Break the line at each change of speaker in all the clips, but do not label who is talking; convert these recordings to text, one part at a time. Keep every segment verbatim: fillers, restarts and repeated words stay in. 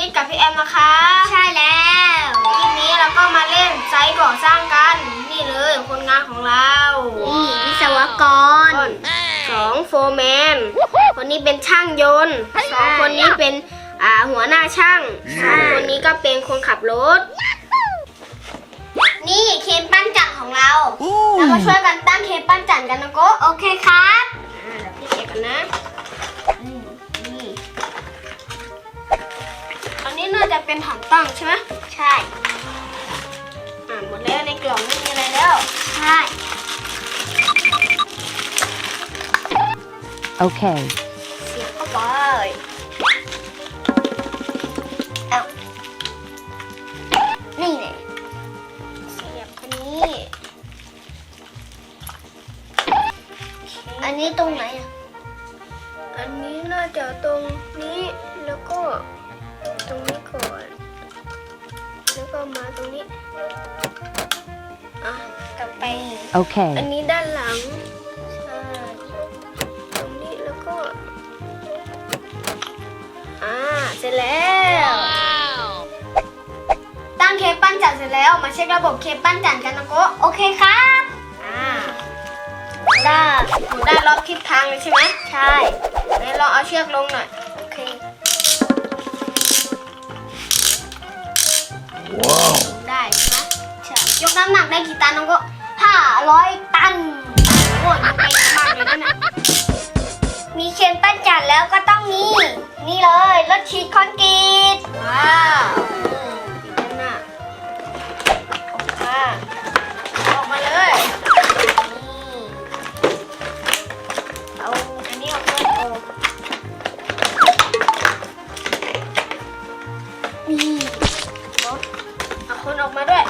ดกับพี่แอมนะคะ
ใช่แล้ว
คลิปนี้เราก็มาเล่นไซต์ก่อสร้างกันนี่เลยคนงานของเรา
นี่วิศวกร
สองโฟร์แมนคนนี้เป็นช่างยนต์สองคนนี้เป็นอ่าหัวหน้าช่างคนนี้ก็เป็นคนขับรถ
นี่เคนปั้นจักรของเรา
เรามาช่วยกันตั้งเคนปั้นจักรกันนะโก้
โอเคครับ
อ่าเดี๋ยวพี่เช็คกันนะนี่อันนี้น่าจะเป็นฐานตั้งใช่ไหม
ใช่
อ่าหมดแล้วในกล่องไม่มีอะไรแล้ว
ใช่
โอเค
เสียบเข้าไป
เอานี่เลย
เสียบคนนี้
อันนี้ตรงไหนอ่ะ
อันนี้น่าจะตรงนี้แล้วก็ตรงนี้ก่อนแล้วก็มาตรงนี้อ่ะกลับไป
โอเค
อันนี้ด้านหลังใช่ตรงนี้แล้วก็อ่าเสร็จแล้วตั้งเคปปั้นจันเสร็จแล้วมาเช็คระบบเคปปั้นจันกันนะโก้
โอเคครับ
อ่าได้หนูได้รอบทิศทางเลยใช่ไหม
ใช่
ไหนลองเอาเชือกลงหน่อยโอเคว้าวได้ใช่ไหมใช่ยกน้ำหนักได้กี่ตันน้องก็
ห้าร้อยตัน
โอ้ยมันเป็นมากเลยนะเนี่ย
มีเคนปั้นจักรแล้วก็ต้องนี่นี่เลยรถฉีดคอนกรีต
ว้าวดีจังน่ะออกมาออกมาเลยนี่เอาอันนี้ออกมาโอ้
นี่
รถเอาคนออกมาด้วย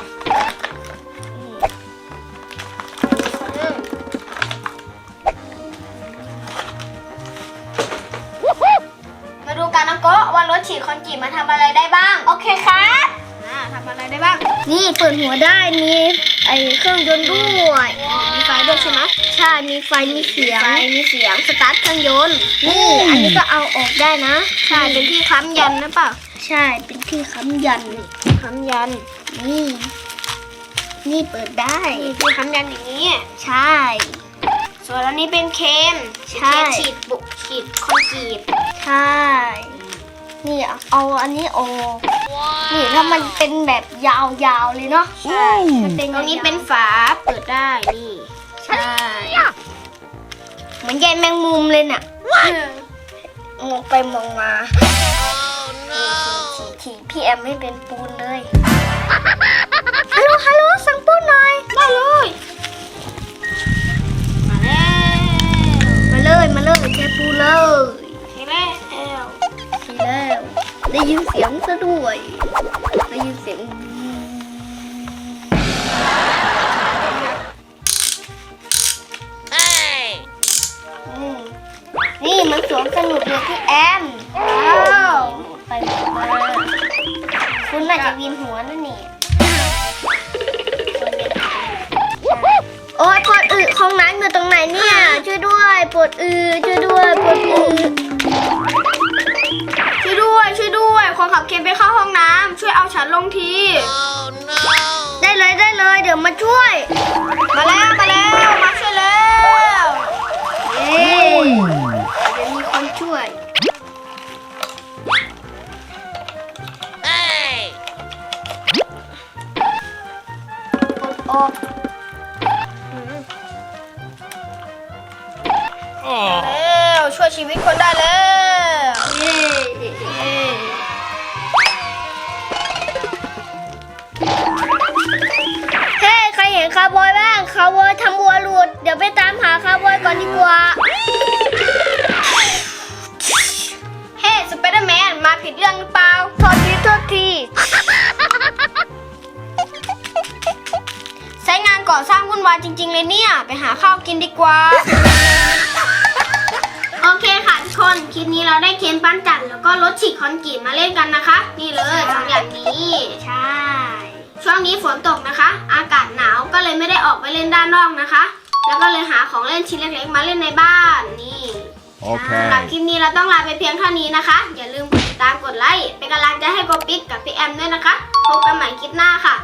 มาดูกันนะโก้ว่ารถฉีดคอนกรีตมาทำอะไรได้บ้าง
โอเคครับ
อ่าทำอะไรได้บ้าง
นี่เปิดหัวได้มีไอเครื่องยนต์ด้วย
มีไฟด้วยใช่ไหม
ใช่มีไฟมีเสียง
ไฟมีเสียงสตาร์ทเครื่องยนต์
นี่อันนี้ก็เอาออกได้นะ
ใช่เป็นที่ค้ำยันนะเปล่า
ใช่เป็นที่ค้ำยัน
ค้ำยัน
นี่นี่เปิดได้
ที่ค้ำยันอย่างนี้
ใช่
ส่วนอันนี้เป็นเคน
ใช่
ฉีดบุกฉีดคอนกรีต
ใช่นี่เอาอันนี้ออกนี่ถ้ามันเป็นแบบยาวๆเลยเนาะ
ใช่ตรงนี้เป็นฝาเปิดได้นี่
ใช่เหมือนใยแมงมุมเลยน่ะมองไปมองมาทีพี่แอมไม่เป็นปูนเลยฮัลโหลฮัลโหลสั่งปูนหน่อย
ได้เลย
มาเลยมาเลยแค่ปูเลย
ทีแล้ว
ทีแล้วได้ยินเสียงซะด้วยได้ยินเสียงนี่มันสวนสนุกเลยพี่แอมว้าวไปมาคุณน่าจะวินหัวนั่นนี่โอ้ยปวดอึห้องน้ำอยู่ตรงไหนเนี่ยช่วยด้วยปวดอึช่วยด้วยปวดอึ
ช่วยด้วยช่วยด้วยคนขับเคนไปเข้าห้องน้ำช่วยเอาฉันลงที
oh, no. ได้เลยได้เลยเดี๋ยวมาช่วย
มาแล้วมาแล้วมาช่วยแล้ว
เย้เดี๋ยวมีคนช่วยเอ้ยกดออก
แล้วช่วยชีวิตคนได้แล้ว
เย้เฮ้ใครเห็นคาร์บอยบ้างคาร์บอยทำวัวหลุดเดี๋ยวไปตามหาคาร์บอยก่อนดีกว่า
เฮ้สไปเดอร์แมนมาผิดเรื่องหรือเปล่า
โทษทีโทษที
ใช้งานก่อสร้างวุ่นวายจริงๆเลยเนี่ยไปหาข้าวกินดีกว่าโอเคค่ะทุกคนคลิปนี้เราได้เคนปั้นจันแล้วก็รถฉีดคอนกรีตมาเล่นกันนะคะนี่เลยสองอย่างนี้
ใช่
ช่วงนี้ฝนตกนะคะอากาศหนาวก็เลยไม่ได้ออกไปเล่นด้านนอกนะคะแล้วก็เลยหาของเล่นชิ้นเล็กๆมาเล่นในบ้านนี่
โอเค
สำหรับคลิปนี้เราต้องลาไปเพียงเท่านี้นะคะ อย่าลืมกดติดตามกดไลค์เป็นกำลังใจให้โกปิ๊กกับพี่แอมด้วยนะคะพบกันใหม่คลิปหน้าค่ะ